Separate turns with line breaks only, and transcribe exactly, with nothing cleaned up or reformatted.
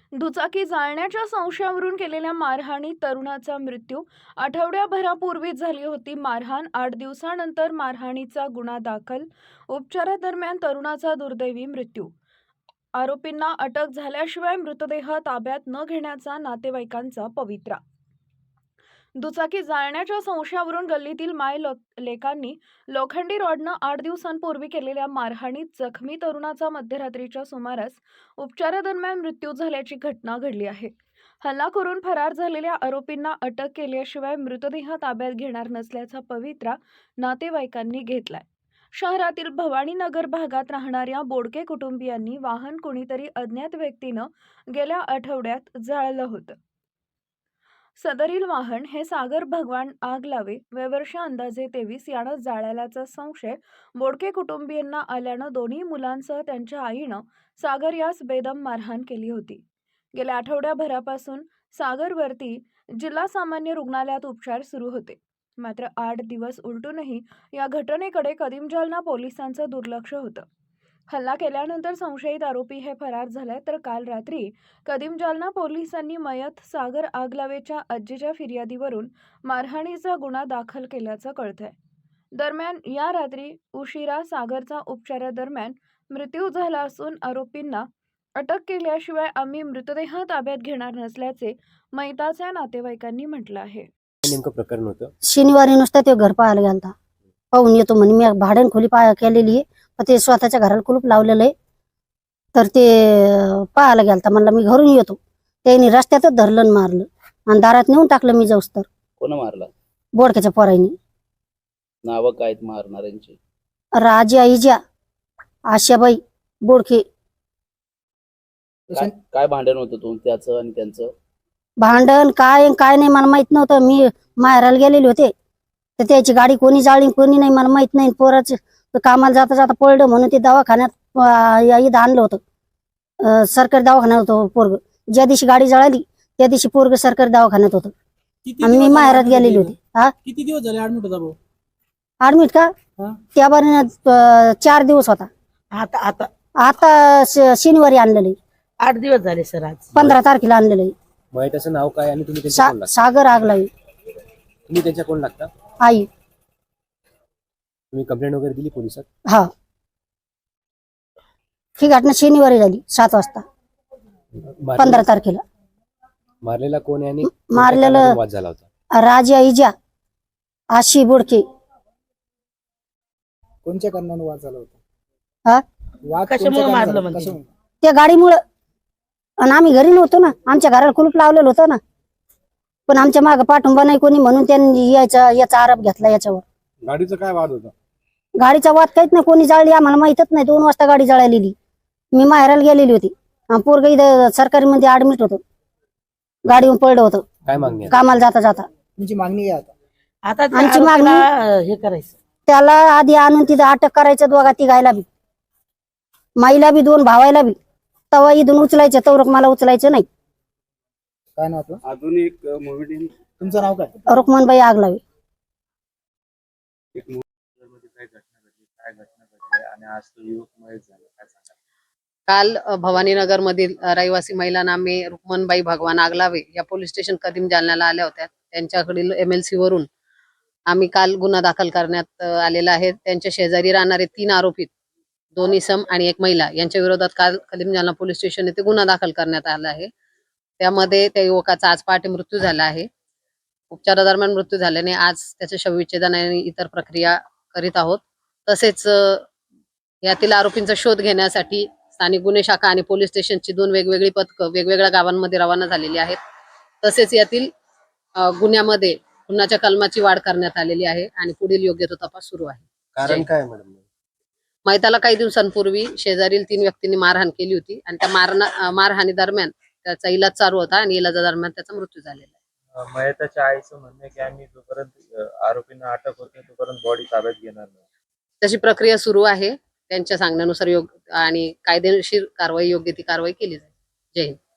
दुचाकी जाळण्याच्या संशयावरून केलेल्या मारहाणीत तरुणाचा मृत्यू. आठवड्याभरापूर्वीच झाली होती मारहाण. आठ दिवसानंतर मारहाणीचा गुन्हा दाखल. उपचारादरम्यान तरुणाचा दुर्दैवी मृत्यू. आरोपींना अटक झाल्याशिवाय मृतदेह ताब्यात न घेण्याचा नातेवाईकांचा पवित्रा. दुचाकी जाळण्याच्या संशयावरून गल्लीतील माय लेकांनी लोखंडी रॉडनं आठ दिवसांपूर्वी केलेल्या मारहाणीत जखमी तरुणाचा मध्यरात्रीच्या सुमारास उपचारादरम्यान मृत्यू झाल्याची घटना घडली आहे. हल्ला करून फरार झालेल्या आरोपींना अटक केल्याशिवाय मृतदेह ताब्यात घेणार नसल्याचा पवित्रा नातेवाईकांनी घेतलाय. शहरातील भवानीनगर भागात राहणाऱ्या बोडके कुटुंबियांनी वाहन कुणीतरी अज्ञात व्यक्तीनं गेल्या आठवड्यात जाळलं होतं. सदरील वाहन हे सागर भगवान आगलावे वयवर्ष अंदाजे तेवीस यानं जाळल्याचा संशय बोडके कुटुंबियांना आल्यानं दोन्ही मुलांसह त्यांच्या आईनं सागर यास बेदम मारहाण केली होती. गेल्या आठवड्याभरापासून सागरवरती जिल्हा सामान्य रुग्णालयात उपचार सुरू होते. मात्र आठ दिवस उलटूनही या घटनेकडे कदीम जालना पोलिसांचं दुर्लक्ष होतं. हल्ला केल्यानंतर संशयित आरोपी हे फरार झाले, तर काल रात्री कदीम जालना पोलिसांनी मयत सागर आगलावेच्या आजीच्या फिर्यादीवरून मारहाणीचा गुन्हा दाखल केल्याचं कळतंय. दरम्यान या रात्री उशिरा सागरचा उपचारादरम्यान मृत्यू झाला असून आरोपींना अटक केल्याशिवाय आम्ही मृतदेह ताब्यात घेणार नसल्याचे मयताच्या नातेवाईकांनी म्हटलं आहे.
नेमकं प्रकरण होतं
शनिवारी नुसतं ते घर पाहायला गेलता. पाहून येतो म्हणे. मी भाड्यान खोली पाय केलेली आहे, पण ते स्वतःच्या घराला कुलूप लावलेलं आहे. तर ते पाहायला गेलता. म्हणलं मी घरून येतो. त्यांनी रस्त्यातच धरलं आणि मारलं आणि दारात नेऊन टाकलं. मी जाऊस तर
कोण मारला?
बोडक्याच्या पोरांनी.
नाव काय मारणाऱ्यांची?
राजा इजा, आशाबाई बोडके.
काय काय भांडण होतं तुमचं आणि त्यांचं?
भांडण काय काय नाही मला माहित नव्हतं. मी माहेराला गेलेले होते, तर त्याची गाडी कोणी जाळली कोणी नाही मला माहित नाही. पोराच कामाला जाता जाता पडलं म्हणून ते दवाखान्यात इथं आणलं होतं. सरकारी दवाखान्यात होतं पोरग. ज्या दिवशी गाडी जळाली त्या दिवशी पोरग सरकारी दवाखान्यात होतं. मी माहेरात गेलेली होती. हा
किती दिवस झाले ऍडमिट होता भाऊ?
ऍडमिट का? त्या बारीनं चार दिवस होता.
आता आता
आता शनिवारी आणलेलं.
आठ दिवस झाले सर. आज
पंधरा तारखेला आणलेलं आहे.
मयताचं नाव काय आणि तुम्ही त्यांच्या कोण लागता?
सागर आगलावे.
तुम्ही त्यांच्या कोण लागता?
आई.
तुम्ही कंप्लेंट वगैरे दिली पोलिसात?
हा, ही घटना शनिवारी झाली सात वाजता पंधरा तारखेला.
मारलेला कोण आहे आणि
मारलेलं
वाद झाला होता?
राजा इजा, आशी बोडके.
कोणत्या कारणाने वाद झाला होता?
हा,
वाद कशामुळे मारलं म्हणजे?
त्या गाडीमुळं. आणि आम्ही घरी नव्हतो ना, आमच्या घराला कुलूप लावलेलं होतं ना, पण आमच्या मागे पाठिंबा नाही कोणी म्हणून त्यांनी याचा याचा आरोप घेतला याच्यावर.
गाडीचा काय वाद होता?
गाडीचा वाद काहीच नाही, कोणी जाळली आम्हाला माहितच नाही. दोन वाजता गाडी जळालेली. मी माहेराला गेलेली होती. पोरग इथं सरकारी मध्ये ऍडमिट होतं. गाडीवर पडलं होतं
काय मागणी आहे?
कामाला जाता जाता.
तुमची मागणी आहे आता? आता
आमची मागणी
हे करायचं,
त्याला आधी आणून तिथं अटक करायचं. दोघा तिघायला बी, माईला बी, दोन भावायला बी. तवा इथून उचलायचं, तवरक मला उचलायचं नाही.
काय नाव आपलं?
अजून एक मूवी.
तुमचं नाव काय?
रुक्मनबाई आगलावे.
एक मूवीमध्ये काय घटना घडली, काय घटना घडली आणि आज तो युवक मयत झाला, काय सांगा?
काल भवानीनगर मधील रहिवासी महिला नामे रुक्मनबाई भगवान आगलावे या पोलीस स्टेशन कदीम जालन्याला आल्या होत्या. त्यांच्याकडील एमएलसी वरून आम्ही काल गुन्हा दाखल करण्यात आलेला आहे. त्यांच्या शेजारी राहणारे तीन आरोपी, दोन इसम आणि एक महिला, यांच्या विरोधात काल कदीम जालना पोलीस स्टेशन येथे गुन्हा दाखल करण्यात आला आहे. त्यामध्ये त्या युवकाचा आज पहाटे मृत्यू झाला आहे. उपचारादरम्यान मृत्यू झाल्याने आज त्याचे शवविच्छेदन आणि इतर प्रक्रिया करीत आहोत. तसेच यातील आरोपींचा शोध घेण्यासाठी स्थानिक गुन्हे शाखा आणि पोलीस स्टेशनची दोन वेगवेगळी पथकं वेगवेगळ्या गावांमध्ये रवाना झालेली आहेत. तसेच यातील गुन्ह्यामध्ये खुनाच्या कलमाची वाढ करण्यात आलेली आहे आणि पुढील योग्य तो तपास सुरू आहे.
कारण काय मॅडम?
मैताला काही दिवसांपूर्वी शेजारील तीन व्यक्तींनी मारहाण केली होती आणि त्या मारहाण मारहाणी दरम्यान त्याचा इलाज चालू होता आणि इलाजादरम्यान त्याचा मृत्यू झालेला आहे.
मयताच्या आईचं म्हणणं आहे की आम्ही जोपर्यंत आरोपींना अटक होत नाही तोपर्यंत बॉडी ताब्यात घेणार नाही.
तशी प्रक्रिया सुरू आहे. त्यांच्या सांगण्यानुसार योग्य आणि कायदेशीर कारवाई योग्य ती कारवाई केली जाईल. जय हिंद.